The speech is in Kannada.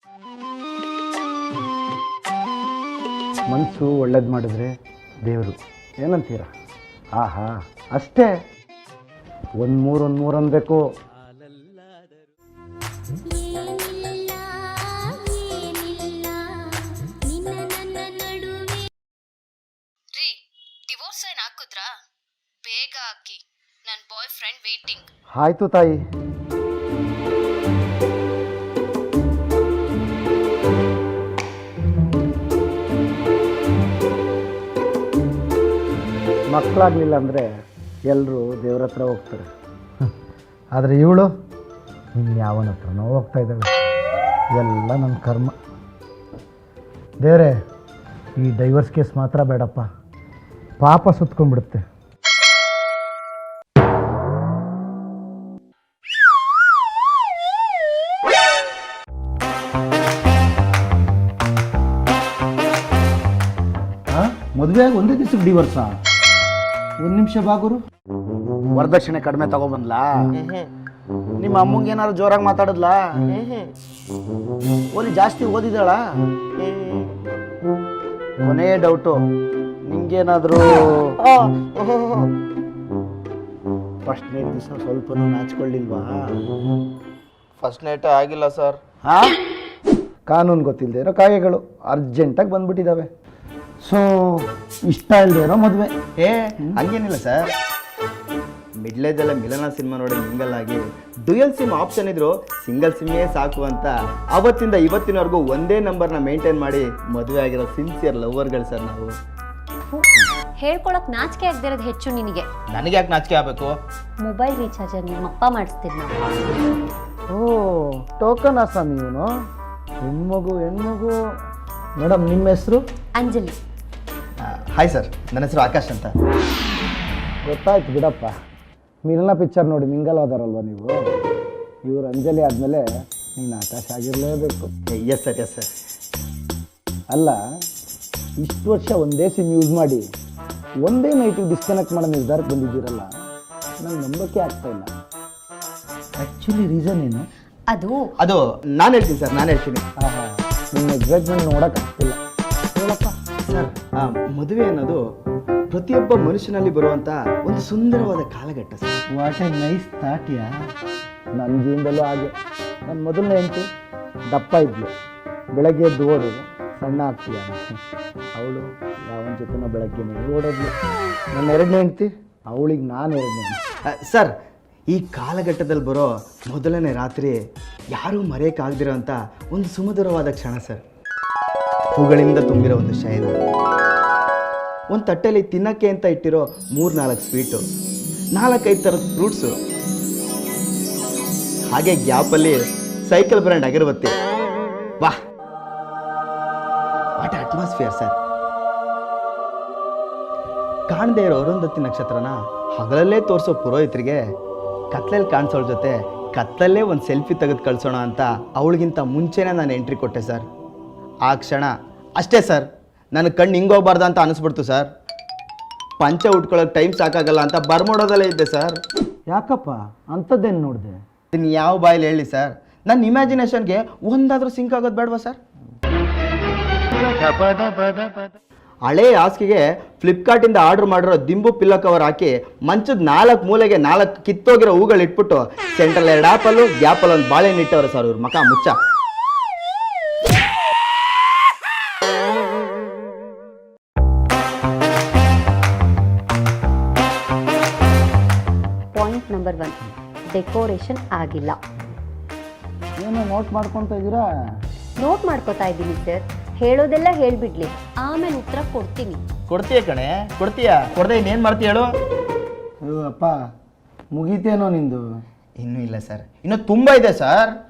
ಮನಸ್ಸು ಒಳ್ಳೇದು ಮಾಡಿದ್ರೆ ದೇವರು ಏನಂತೀರ? ಆಹಾ ಅಷ್ಟೇ. ಒಂದು ಮೂರು ಅನ್ಬೇಕು. ಡಿವೋರ್ಸ್ ಸೈನ್ ಹಾಕಿದ್ರಾ? ಬೇಗ ಹಾಕಿ, ನನ್ನ ಬಾಯ್ ಫ್ರೆಂಡ್ ವೇಟಿಂಗ್. ಆಯ್ತು ತಾಯಿ. ಮಕ್ಕಳಾಗಲಿಲ್ಲ ಅಂದರೆ ಎಲ್ಲರೂ ದೇವ್ರ ಹತ್ರ ಹೋಗ್ತಾರೆ. ಆದರೆ ಇವಳು ಇನ್ಯಾವನ ಹತ್ರನೋ ಹೋಗ್ತಾ ಇದ್ದಾಳೆ. ಎಲ್ಲ ನನ್ನ ಕರ್ಮ. ದೇವರೇ, ಈ ಡೈವರ್ಸ್ ಕೇಸ್ ಮಾತ್ರ ಬೇಡಪ್ಪ, ಪಾಪ ಸುತ್ಕೊಂಡ್ಬಿಡುತ್ತೆ. ಮದುವೆ ಆಗಿ ಒಂದೇ ದಿವಸಕ್ಕೆ ಡಿವೋರ್ಸಾ? ಒಂದು ನಿಮಿಷ ಬಾಗುರು. ವರದಕ್ಷಿಣೆ ಕಡಿಮೆ ತಗೊಬಂದ್ಲಾ? ನಿಮ್ಮ ಅಮ್ಮಂಗೆ ಏನಾದ್ರು ಜೋರಾಗಿ ಮಾತಾಡಿದ್ಲಾ? ಓಲಿ ಜಾಸ್ತಿ ಓದಿದಾಳ? ಕೊನೇ ಡೌಟು, ನಿಂಗೇನಾದರೂ ಫಸ್ಟ್ ನೈಟ್ ದಿವಸ ಸ್ವಲ್ಪ ನಾಚ್ಕೊಳ್ಳಿಲ್ವಾ? ಫಸ್ಟ್ ನೈಟ್ ಆಗಿಲ್ಲ ಸರ್. ಕಾನೂನು ಗೊತ್ತಿಲ್ಲದೆ ಇರೋ ಕಾಗೆಗಳು ಅರ್ಜೆಂಟಾಗಿ ಬಂದ್ಬಿಟ್ಟಿದ್ದಾವೆ. ಸೊ ಇಷ್ಟ ಇಲ್ಲದೆ ಇರೋ ಮದುವೆ? ಹಂಗೇನಿಲ್ಲ ಸರ್. ಮಿಡ್ಲ್ ಏಜಲ್ಲ ಮಿಲನ ಸಿನಿಮಾ ನೋಡಿ ಮಿಂಗಲ್ ಆಗಿ ಡ್ಯುಯಲ್ ಸಿಮ್ ಆಪ್ಷನ್ ಇದ್ರು ಸಿಂಗಲ್ ಸಿಮ್ಮೇ ಸಾಕು ಅಂತ ಅವತ್ತಿಂದ ಇವತ್ತಿನವರೆಗೂ ಒಂದೇ ನಂಬರ್ನ ಮೇಂಟೈನ್ ಮಾಡಿ ಮದುವೆ ಆಗಿರೋ ಸಿನ್ಸಿಯರ್ ಲವರ್ಗಳು ಸರ್ ನಾವು. ಹೇಳ್ಕೊಳಕ್ ನಾಚಿಕೆ ಆಗದಿರೋದು ಹೆಚ್ಚು ನಿನಗೆ. ನನಗೆ ಯಾಕೆ ನಾಚಿಕೆ ಆಗಬೇಕು? ಮೊಬೈಲ್ ರೀಚಾರ್ಜ್ ನಿಮ್ಮಪ್ಪ ಮಾಡಿಸ್ತೀನಿ ನಾವು. ಓ ಟೋಕನ್ ಆಸಾಮಿ ಇವನು. ಹೆಣ್ಮಗು. ಮೇಡಮ್ ನಿಮ್ಮ ಹೆಸರು? ಅಂಜಲಿ. ಹಾಯ್ ಸರ್, ನನ್ನ ಹೆಸರು ಆಕಾಶ್ ಅಂತ. ಗೊತ್ತಾಯ್ತು ಬಿಡಪ್ಪ, ಮಿಲನ ಪಿಕ್ಚರ್ ನೋಡಿ ಮಿಂಗಲ್ ಹೋದಾರಲ್ವ ನೀವು. ಇವ್ರು ಅಂಜಲಿ ಆದಮೇಲೆ ನೀನು ಆಕಾಶ ಆಗಿರಲೇಬೇಕು. Yes sir, yes sir. ಅಲ್ಲ, ಇಷ್ಟು ವರ್ಷ ಒಂದೇ ಸಿಮ್ ಯೂಸ್ ಮಾಡಿ ಒಂದೇ ನೈಟಿಗೆ ಡಿಸ್ಕನೆಕ್ಟ್ ಮಾಡೋ ನಿರ್ಧಾರಕ್ಕೆ ಬಂದಿದ್ದೀರಲ್ಲ, ನಂಗೆ ನಂಬಕ್ಕೆ ಆಗ್ತಾ ಇಲ್ಲ. ಆ್ಯಕ್ಚುಲಿ ರೀಸನ್ ಏನು? ಅದು ನಾನು ಹೇಳ್ತೀನಿ ಸರ್, ನಾನು ಹೇಳ್ತೀನಿ. ಆಹಾ, ನಿಮ್ಮ ಎಕ್ಸೈಟ್ಮೆಂಟ್ ನೋಡೋಕ್ಕಾಗ್ತಿಲ್ಲ. ಹೇಳಪ್ಪ. ಸರ್, ಮದುವೆ ಅನ್ನೋದು ಪ್ರತಿಯೊಬ್ಬ ಮನುಷ್ಯನಲ್ಲಿ ಬರುವಂಥ ಒಂದು ಸುಂದರವಾದ ಕಾಲಘಟ್ಟ ಸರ್. ವಾಟ್ ಎ ನೈಸ್ ಥಾಟ್ಯಾ. ನನ್ನ ಜೀವನದಲ್ಲೂ ಹಾಗೆ. ನನ್ನ ಮೊದಲನೇ ಹೆಂಡತಿ ದಪ್ಪ ಇದ್ಲು, ಬೆಳಗ್ಗೆ ಎದ್ದು ಓಡೋದು, ಸಣ್ಣ ಆಗ್ತೀಯ. ಅವಳು ಯಾವನ ಜೊತೆನೋ ಬೆಳಗ್ಗೆನೇ ಓಡೋದ್ಲು. ನನ್ನ ಎರಡನೇ ಹೆಂಡತಿ, ಅವಳಿಗೆ ನಾನು ಎರಡನೇ. ಸರ್, ಈ ಕಾಲಘಟ್ಟದಲ್ಲಿ ಬರೋ ಮೊದಲನೇ ರಾತ್ರಿ ಯಾರೂ ಮರೆಯೋಕ್ಕಾಗದಿರೋ ಅಂಥ ಒಂದು ಸುಮಧುರವಾದ ಕ್ಷಣ ಸರ್. ಹೂಗಳಿಂದ ತುಂಬಿರೋ ಒಂದು ಶಯನ, ಒಂದು ತಟ್ಟೆಯಲ್ಲಿ ತಿನ್ನಕ್ಕೆ ಅಂತ ಇಟ್ಟಿರೋ 3-4 ಸ್ವೀಟು, 4-5 ಥರದ ಫ್ರೂಟ್ಸು, ಹಾಗೆ ಗ್ಯಾಪಲ್ಲಿ ಸೈಕಲ್ ಬ್ರ್ಯಾಂಡ್ ಅಗರಬತ್ತಿ. ವಾಹ್, ವಾಟ್ ಅಟ್ಮಾಸ್ಫಿಯರ್ ಸರ್. ಕಾಣದೇ ಇರೋ ಅರುಂಧತಿ ನಕ್ಷತ್ರನ ಹಗಲಲ್ಲೇ ತೋರಿಸೋ ಪುರೋಹಿತರಿಗೆ ಕತ್ಲಲ್ಲಿ ಕಾಣಿಸೋಳ ಜೊತೆ ಕತ್ತಲಲ್ಲೇ ಒಂದು ಸೆಲ್ಫಿ ತೆಗೆದು ಕಳಿಸೋಣ ಅಂತ ಅವಳಿಗಿಂತ ಮುಂಚೆನೇ ನಾನು ಎಂಟ್ರಿ ಕೊಟ್ಟೆ ಸರ್. ಆ ಕ್ಷಣ ಅಷ್ಟೇ ಸರ್, ನನ್ನ ಕಣ್ಣು ಹಿಂಗೋಗ್ಬಾರ್ದು ಅಂತ ಅನಿಸ್ಬಿಡ್ತು ಸರ್. ಪಂಚ ಉಟ್ಕೊಳ್ಳೋಕೆ ಟೈಮ್ ಸಾಕಾಗಲ್ಲ ಅಂತ ಬರ್ಮೋಡೋದಲ್ಲೇ ಇದ್ದೆ ಸರ್. ಯಾಕಪ್ಪ ಅಂಥದ್ದೇನು ನೋಡಿದೆ? ಇನ್ನು ಯಾವ ಬಾಯಲ್ಲಿ ಹೇಳಿ ಸರ್, ನನ್ನ ಇಮ್ಯಾಜಿನೇಷನ್ಗೆ ಒಂದಾದರೂ ಸಿಂಕ್ ಆಗೋದು ಬೇಡವಾ ಸರ್? ಹಳೇ ಹಾಸಿಗೆಗೆ ಫ್ಲಿಪ್ಕಾರ್ಟಿಂದ ಆರ್ಡರ್ ಮಾಡಿರೋ ದಿಂಬು ಪಿಲ್ಲೋ ಕವರ್ ಹಾಕಿ ಮಂಚದ 4 ಮೂಲೆಗೆ 4 ಕಿತ್ತೋಗಿರೋ ಹೂಗಳು ಇಟ್ಬಿಟ್ಟು ಸೆಂಟ್ರಲ್ 2 ಆಪಲ್ಲು, ಗ್ಯಾಪಲ್ಲಿ ಒಂದು ಬಾಳೆಹಣ್ಣು ಇಟ್ಟವ್ರೆ ಸರ್ ಇವ್ರ ಮಕ ಮುಚ್ಚ. ಪಾಯಿಂಟ್ ನಂಬರ್ 1, ಡೆಕೋರೇಷನ್ ಆಗಿಲ್ಲ. ಏನೋ ನೋಟ್ ಮಾಡ್ಕೊತಾ ಇದ್ದೀರಾ? ನೋಟ್ ಮಾಡ್ಕೋತಾ ಇದ್ದೀನಿ ಸರ್. ಹೇಳೋದೆಲ್ಲ ಹೇಳ್ಬಿಡ್ಲಿ, ಆಮೇಲೆ ಉತ್ತರ ಕೊಡ್ತೀನಿ. ಕೊಡ್ತೀಯ ಕಣೆ, ಕೊಡ್ತೀಯ. ಕೊಡದೆ ಇನ್ನೇನು ಮಾಡ್ತೀಯ ಹೇಳು? ಅಯ್ಯೋ ಅಪ್ಪ, ಮುಗೀತೇನೋ ನಿಂದು? ಇನ್ನೂ ಇಲ್ಲ ಸರ್, ಇನ್ನೂ ತುಂಬ ಇದೆ ಸರ್.